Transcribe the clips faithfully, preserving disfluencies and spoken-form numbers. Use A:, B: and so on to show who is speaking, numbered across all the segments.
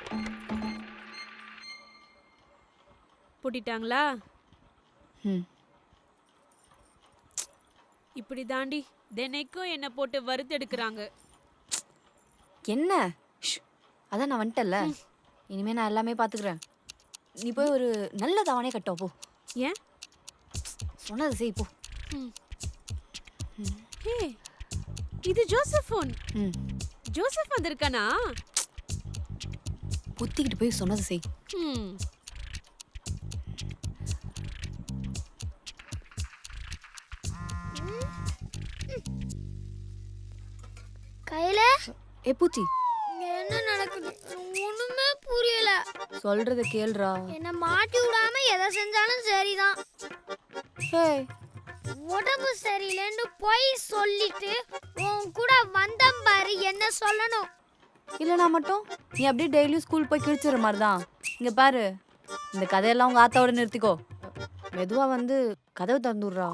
A: பூட்டிட்டாங்களா?
B: ம்
A: இப்படி தாண்டி தினைக்கும் என்ன போட்டு வறுத்தெடுக்கிறாங்க.
B: என்ன? ஷ், அதான் நான் வந்துட்டேன்ல. இனிமே நான் எல்லாமே பார்த்துக்கிறேன். நீ போய் ஒரு நல்ல தாவணே கட்டோ போ.
A: ஏன்?
B: சொன்னது செய் போ.
A: ம். ஹே, இது ஜோசப் ஃபோன்.
B: ம்
A: ஜோசப் வந்திருக்கானா?
B: புத்திக்கிட்டு போய் சொன்னது செய்.
A: ம்.
C: கையில
B: ஏ பூச்சி,
C: என்ன நடக்குது ஒண்ணுமே புரியல.
B: சொல்றத கேளுடா.
C: என்ன மாட்டி விடாம எதை செஞ்சாலும் சரிதான்.
B: ஹே,
C: உடம்பு சரியில்லைன்னு போய் சொல்லிட்டு உன் கூட வந்தம் பாரு, என்ன சொல்லணும்.
B: இல்லைனா மட்டும் நீ அப்படியே டெய்லியும் ஸ்கூல் போய் கிழிச்சிடுற மாதிரி தான். இங்கே பாரு, இந்த கதையெல்லாம் உங்கள் ஆத்தாவோட நிறுத்திக்கோ. மெதுவாக வந்து கதவை திறந்துடுறா.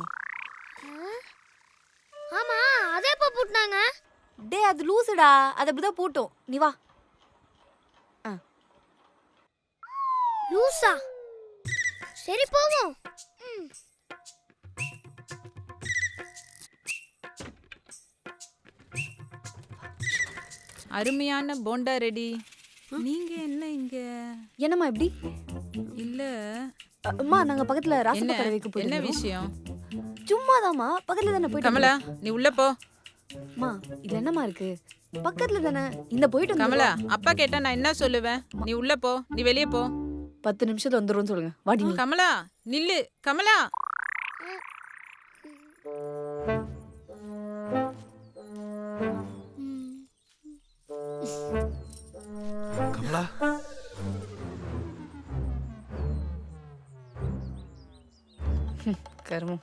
C: ஆமா, அதே எப்ப பூட்டினாங்க?
B: டே, அது லூசுடா. அது அப்படிதான் பூட்டும். நீ வா. ஆ
C: லூசா? சரி போவோம். ம்.
D: அருமையான போண்டா ரெடி. நீங்க என்ன இங்க?
B: என்னம்மா இப்படி?
D: இல்ல
B: அம்மா, நாங்கள் பக்கத்தில்
D: என்ன
B: ராசப்பக்கடை வைக்க
D: என்ன
B: போயிருந்தோம்.
D: விஷயம்?
B: சும்மாதாம்மா, பக்கத்தில் தானே போயிட்டு
D: கமலா, நீ உள்ள போ.
B: அம்மா, இது என்னம்மா இருக்கு? பக்கத்தில் தானே. இந்த போயிட்டு
D: கமலா,
B: வந்துடுவா.
D: அப்பா கேட்டா நான் என்ன சொல்லுவேன்? நீ உள்ள போ, நீ வெளியே போ.
B: பத்து நிமிஷத்துல வந்துடும் சொல்லுங்க. வாடி நீ.
D: கமலா நில்லு. கமலா,
E: கமலா,
B: கருமம்.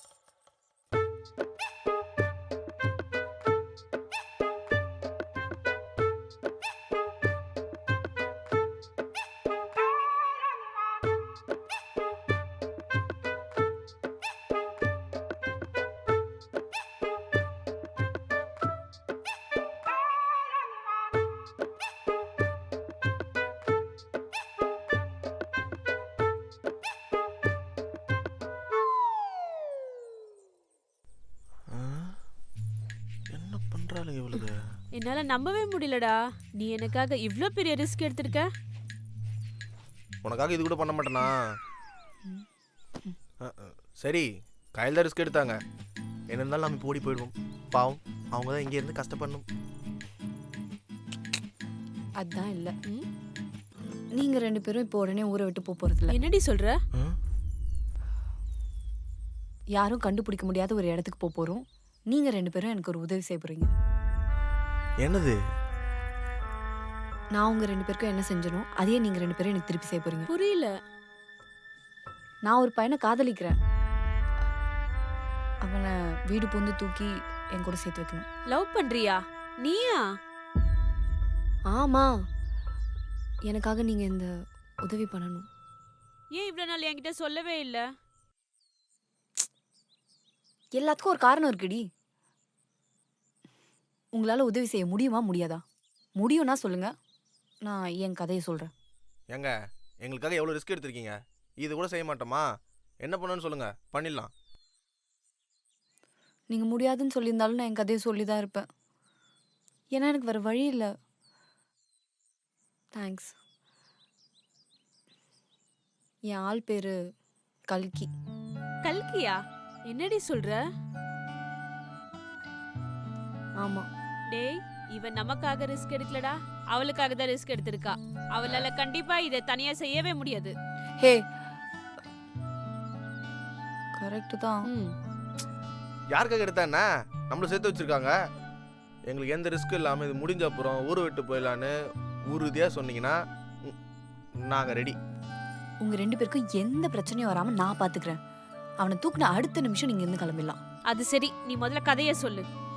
E: என்ன பண்றாளுங்க இவளுக்கு?
A: என்னால நம்பவே முடியலடா. நீ எனக்காக இவ்ளோ பெரிய ரிஸ்க் எடுத்திருக்க.
E: உனக்காக இது கூட பண்ண மாட்டேனா? அஹ், அஹ், சரி, கையில் தான் ரிஸ்க் எடுத்தாங்க. என்ன இருந்தாலும் நம்ம இப்போ ஓடி போயிடுவோம். பாவம், அவங்க தான் இங்கே இருந்து கஷ்டப்படணும்.
B: அதான் இல்ல. நீங்க ரெண்டு பேரும் இப்போ உடனே ஊரை விட்டு போக போறது இல்ல.
A: என்னடி சொல்ற?
E: அஹ்,
B: யாரும் கண்டுபிடிக்க முடியாத ஒரு இடத்துக்கு போக போறோம். நீங்க ரெண்டு பேரும் எனக்கு ஒரு உதவி செய்ய போறீங்க.
E: என்னது?
B: நான் உங்க ரெண்டு பேருக்கும் என்ன செஞ்சனோ அதையே நீங்க ரெண்டு பேரும் எனக்கு திருப்பி செய்ய போறீங்க.
A: புரியல.
B: நான் ஒரு பையனை காதலிக்கிறேன். அவனை வீடு பூந்து தூக்கி என் கூட சேர்த்து வைக்கணும்.
A: லவ் பண்றியா? நீயா?
B: ஆமா, எனக்காக நீங்க இந்த உதவி பண்ணணும்.
A: ஏன் இவ்ளோ நாள் என்கிட்ட சொல்லவே இல்ல?
B: எல்லாத்துக்கும் ஒரு காரணம் இருக்குடி. உங்களால உதவி செய்ய முடியுமா முடியாதா? முடியும்னா சொல்லுங்க, நான் என் கதையை சொல்றேன்.
E: ஏங்க, எங்களுக்காக எவ்வளோ ரிஸ்க் எடுத்திருக்கீங்க. இது கூட செய்ய மாட்டோமா? என்ன பண்ணணும்னு சொல்லுங்க, பண்ணிடலாம்.
B: நீங்க முடியாதுன்னு சொல்லியிருந்தாலும் நான் என் கதையை சொல்லி தான் இருப்பேன். ஏன்னா எனக்கு வேற வழி இல்லை. தேங்க்ஸ். என் ஆள் பேரு கல்கி.
A: கல்கியா? என்னடி சொல்ற?
B: ஆமா,
A: டேய், இவன் நமக்காக ரிஸ்க் எடுக்கலடா, அவளுக்காக தான் ரிஸ்க் எடுத்திருக்கா. அவளால கண்டிப்பா இதை தனியா செய்யவே முடியாது.
B: ஹே, கரெக்ட் தான்.
A: ம்.
E: யாருக்காக எடுத்தா என்ன? நம்மள சேர்த்து வச்சிருக்காங்க. எங்களுக்கு எந்த ரிஸ்க் இல்லாமல் இது முடிஞ்ச அப்புறம் ஊரை விட்டு போயிடலான்னு உறுதியாக சொன்னீங்கன்னா நாங்கள் ரெடி.
B: உங்க ரெண்டு பேருக்கும் எந்த பிரச்சனையும் வராம நான் பாத்துக்கிறேன். அவனை தூக்குன அடுத்த நிமிஷம் நீங்க இருந்து கிளம்பிடலாம்.
A: அது சரி, நீ முதல்ல கதைய சொல்லு.